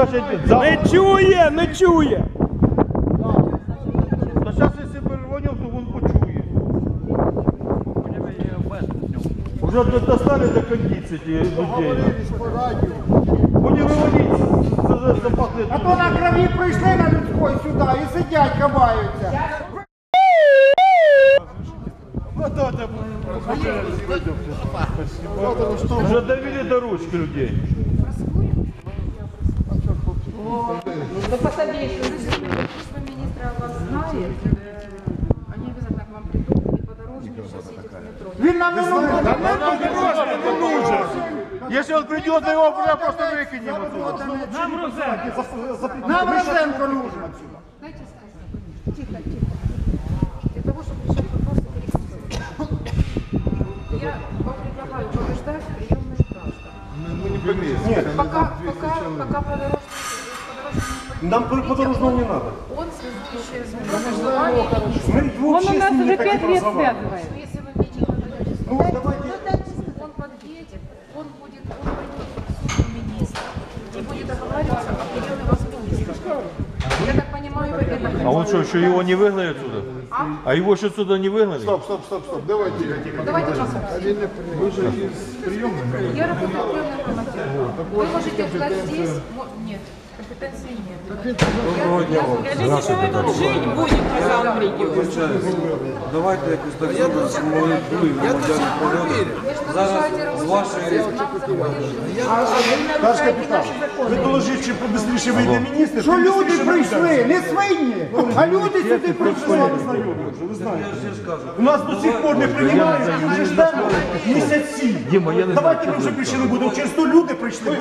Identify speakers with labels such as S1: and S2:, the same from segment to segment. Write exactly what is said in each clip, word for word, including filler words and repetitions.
S1: скажете,
S2: Не чує, не чує.
S1: Та зараз, якщо перезвонив, то він почує. Уже достали до кондиції ті людей. Вони виваліться, запахли.
S3: А то на крові прийшли на людської сюди і сидять, ховаються.
S1: Уже довели до ручки людей.
S4: Да посадите. Служба министра вас знает. Они обязательно к вам придут и по дорожке сидите в метро.
S3: Він нам не нужен.
S1: Если он придет, его просто выкинем отсюда.
S3: Нам Розенко нужен.
S4: Дайте сказать. Тихо, тихо. Для того, чтобы решать вопросы перекресток. Я вам предлагаю побеждать приемных граждан.
S1: Нет.
S4: Пока, пока, пока по дорожке,
S1: Нам по подорожному не надо.
S4: он связующее звено между вами и министром.
S5: Он у нас уже пять лет связывает.
S4: Если вы мне не надаете,
S3: Ну, давайте.
S4: он подъедет, он будет, он придет в службу министра и будет договариваться о приеме вас министра. Я так понимаю, вы это
S1: А он что, еще его не выгнали отсюда? А его еще отсюда не выгнали?
S6: Стоп, стоп, стоп, стоп. Давайте.
S4: Давайте посмотрим.
S6: Вы же из приемной.
S4: Я работаю приемным командиром. Вы можете ждать здесь? Мо- Нет, компетенции нет.
S5: Жить будет, когда он придет.
S7: Давайте якось так зробимо, що ми були громадяни природи. Зараз з вашої...
S3: Наш капітан.
S1: Ви доложіть, чи побистріше вийде міністр.
S3: Що люди прийшли, не свині, а люди сюди прийшли.
S7: Я ж кажу.
S1: У нас до сих пор не приймають, і вже ждемо місяці. Давайте ми вже більше не будемо. Через то люди прийшли.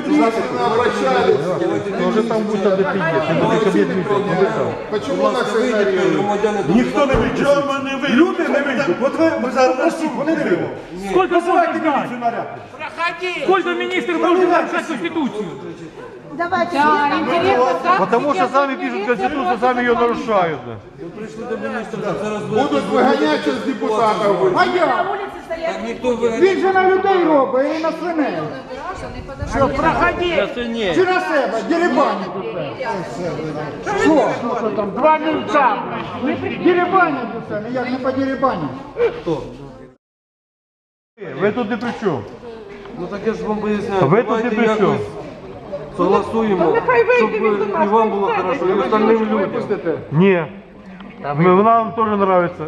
S1: Тоже там буде де під'їхати.
S6: Почему нас игнорируют?
S7: Громадяни
S1: Ніхто не вийде. Люди не вийдуть. От ви, ви зараз просіть, вони не вийдуть.
S2: Сколько
S1: Визивайте
S2: можно
S1: міліцію
S2: ждать?
S1: наряд.
S2: Сколько министр должен нарушать Конституцию?
S5: Давайте. Да, интересно, как
S1: Потому что
S5: сейчас
S1: сами
S5: милиция
S1: пишут Конституцию,
S5: против
S1: сами ее
S5: этого
S1: нарушают.
S7: прийшли до міністра, так зараз
S6: Будут выгонять сейчас депутатов.
S3: А я?
S7: Так ніхто виганяє.
S3: Він же на людей робить і на свиней.
S4: Граждан и подождите.
S3: Проходи. Чи на себе, дерибані тут. Що? Що там, два мільця? Дерибанять усе, як не по дерибані.
S1: Ви тут не при чому.
S7: Ну так я ж вам поясняю.
S1: Ви тут
S7: Давайте
S1: не при чому.
S7: якось согласуємо, щоб і вам було хорошо, і остальним людям.
S1: Ні. Мы, нам тоже нравится.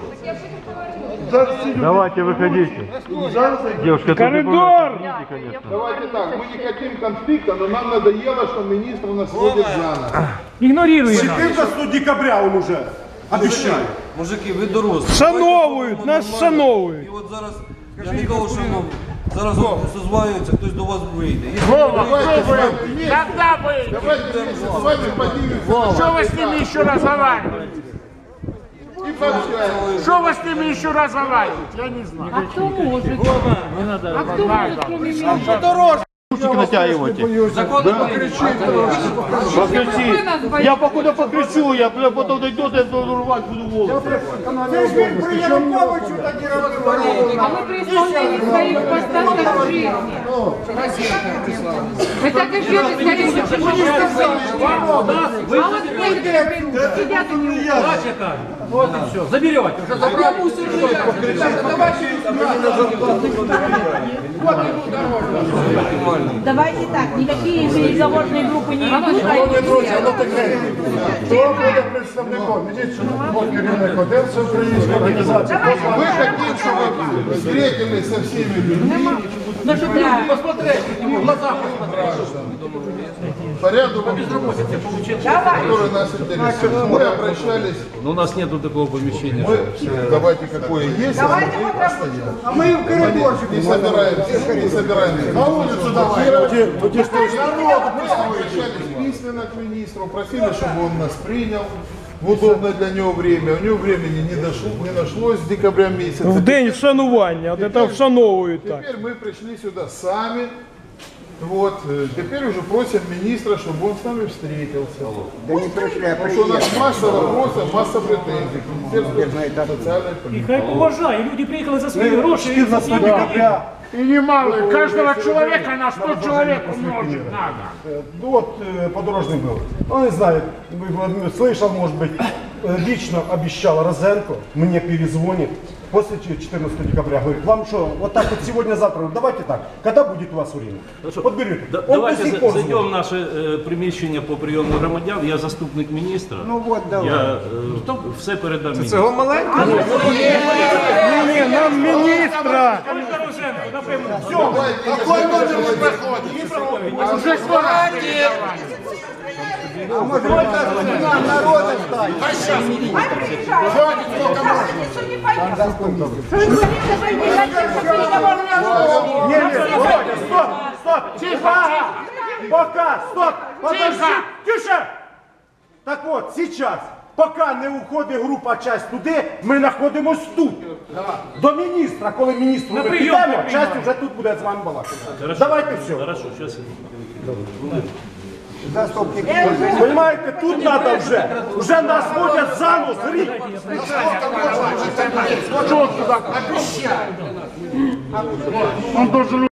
S1: Давайте, выходите. Девушка,
S2: Коридор!
S1: конечно.
S6: Давайте так, мы не хотим конфликта, но нам надоело, что министр нас водит за нос.
S2: Игнорируем нас.
S1: четырнадцатого декабря он уже обещает.
S7: Мужики, ви дорослі.
S2: Шановують, нас
S7: І
S2: шановують.
S7: от зараз, я не кажу, що вам зараз созванюється, хтось до вас вийде.
S6: Давайте, Когда вы? Давайте вместе с вами поднимемся.
S8: Что вы с ними еще разговариваете?
S6: И пообщаемся.
S8: Что вы с ними еще разговариваете? Я не знаю.
S5: А кто может? А кто может, кроме меня?
S1: Ручки натягивайте.
S7: Закон не покричить.
S1: Покричи. Я покуда покричу, я потом дойдет, я буду рвать, буду волосы.
S3: Це ж він при Януковичу тоді робив.
S5: А мы при исполнении своих постатов жизни. Вы так и ждете, скорее, почему не сказали? А вот некоторые придут, сидят и не уходят.
S2: Вот и все. Заберете. Уже забрали.
S5: Давайте так, никакие переговорные группы не идут.
S6: Хто буде представником? Міліцію керівник один всеукраїнської організації. Мы хотим, чтобы вы встретились со всеми людьми.
S2: На что ты посмотреть, ему в глаза посмотреть.
S6: По ряду вопросов, которые нас интересуют. Мы обращались.
S9: Но у нас нету такого помещения.
S6: Мы, давайте какое есть, а мы постоянно.
S3: А ми в коридорчику.
S6: Не собираемся, не собираемся. На улицу давай. Мы обращались письменно к министру, просили, чтобы он нас принял в удобное для него время. У него времени не, дошло, не нашлось с декабря месяца.
S2: В день вшанування, от это вшановують так.
S6: Теперь мы пришли сюда сами, Вот, э, теперь уже просим министра, чтобы он с нами встретился.
S3: Да не пришли, а
S6: Потому что у нас
S3: приехали.
S6: масса вопросов, масса претензий к Министерству социальной
S2: І
S6: политики.
S2: хай поважає, люди приїхали за свої гроші. і за свої
S1: декабря.
S8: И немало, каждого человека на сто человек умножить надо.
S1: Э, Ну вот э, подорожный был. Он не знает, вы- вы- слышал, может быть, э, лично обещал Розенко, мне перезвонит после четырнадцатого декабря. Говорит, вам что, вот так вот сегодня-завтра, давайте так, когда будет у вас время? Вот берете.
S9: Да-
S1: Он до
S9: Давайте
S1: сих
S9: за-
S1: пор
S9: зайдемо в
S1: звонит.
S9: наше е, приміщення по прийому громадян. Я заступник міністра.
S3: Ну вот, давай.
S9: Я е, все передам міністру.
S7: Цього маленького?
S8: Не-не, нам министра. Уже скоро.
S3: А может, нам народа стать?
S1: Не, не, Володя, стоп, стоп, тихо, пока, стоп, подожди, тише. Так вот, сейчас, поки не уходить група часть туди, ми знаходимось тут. До міністра, коли міністру ми
S2: прийом
S1: підемо,
S2: не
S1: часть
S2: приймаємо.
S1: вже тут буде з вами балакати. Давайте все.
S9: Хорошо, зараз.
S3: Заступник.
S1: Понимаете, тут надо вже, вже нас ходять за нос, рік.
S8: Он должен